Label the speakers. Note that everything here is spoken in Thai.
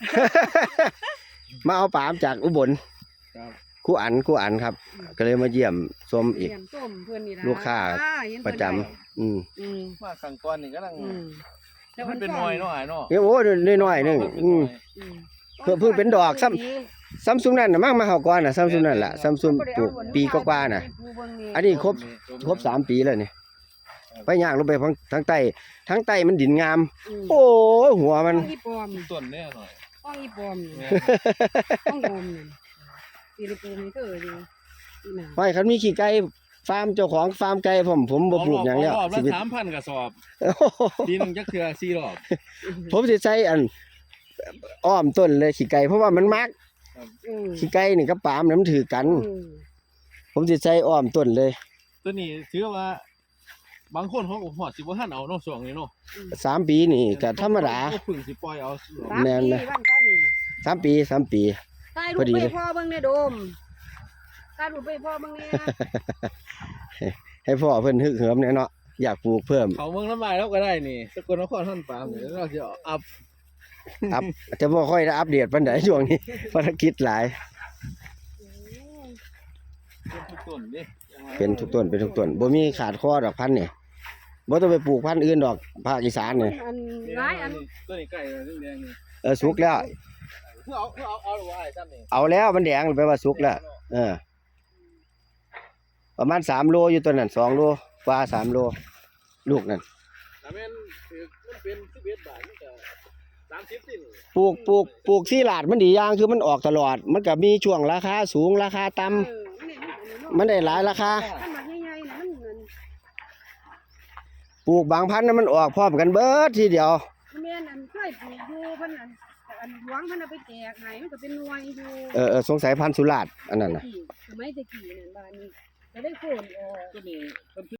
Speaker 1: มาเอาปามจากอุบลครูอันครับก็เลยมาเยี่ยมชมอีกลูกค้าประจำ
Speaker 2: มาขังก้อนนี่ก็ลังมันเป็นน้อยเนาะเนาะ
Speaker 1: โอ้น้อยๆนึงเพิ่งเป็นดอกซ้ำซุมนั่นน่ะมั่งมาเฮาก่อนน่ะซ้ำซุมนั่นล่ะซ้ำซุมปลูกปีกว่าๆน่ะอันนี้ครบ3 ปีแล้วนี่ไปย่างลงไปทางใต้มันดินงามโอ้หัวมัน
Speaker 2: ต้นเนี่ยหน่อย
Speaker 3: ห้องอีปอมห้องโดมนี่ปีละปูมีเธออยู่
Speaker 1: ไม่คันมีขี้ไก่ฟาร์มเจ้าของฟาร์มไก่ผมบ่ปลูกหยังแล้ว
Speaker 2: รอบละ 3,000 กระสอบปีนึงจักเทื่อ4 รอบ
Speaker 1: ผมสิใช้อ้อมต้นเลยขี้ไก่เพราะว่ามันมักขี้ไก่นี่กับปาล์มมันถือกันผมสิใช้อ้อมต้นเลย
Speaker 2: ตัวนี้ถือว่าบางคนเขาก็ฮอดสิบ่ทันเอาเนาะช่วงนี้เนาะ
Speaker 1: 3 ปีนี่ก็ธรรมดา
Speaker 2: เพิ่งสิปล่อยเอา
Speaker 1: แม่นนะ3 ปี
Speaker 3: พอดีเลยพ่อเบิ่งในโดมตายรูปไปพ่อเบิ่งเนี่ย
Speaker 1: ให้พ่อเพิ่นฮึกเหิมแน่เนาะอยากปลูกเพิ่ม
Speaker 2: เขาเมืองน้ำลายแล้วก็ได้นี่สกลนครท่านปามนี่เราสิอัพ
Speaker 1: แต่บ่ค่อยได้อัปเดตปานใดช่วงนี้ภารกิจหลายเป็นทุกต้นบ่มีขาดคอดอกพันธุ์นี่บ่ต้องไปปลูกพันธุ์อื่นดอกภาคอีสานนี่
Speaker 2: ตัวนี้ใกล้แล้วแดง
Speaker 1: นี่สุกแล้ว
Speaker 2: เอาหรือว่าไอ้ซ้ำนี่
Speaker 1: เอาแล้วมันแดงแปลว่าสุกแล้วประมาณ3 โลอยู่ตัวนั้น2 โลกว่า3 โลลูกนั่น
Speaker 2: แม่นมันเป็น11 บาทมันก็30สิ
Speaker 1: ปลูกที่ลาดมันดีอย่างคือมันออกตลอดมันก็มีช่วงราคาสูงราคาต่ำมันได้หลายราคาปลูกบางพันธุ์นั้นมันออกพร้อมกันเบิดทีเดียว
Speaker 3: แม่นเคยปลูกอยู่เพิ่นหลวงเพิ่นเอาไปแจกให้มันก็เป็นหน่วย
Speaker 1: อยู่สงสัยพันธุ์สุราษฎร์อันนั้นน่ะ
Speaker 3: สมัยตะกี้นั่นบ้านนี้ก็ได้โค่นออก
Speaker 2: ตัวนี้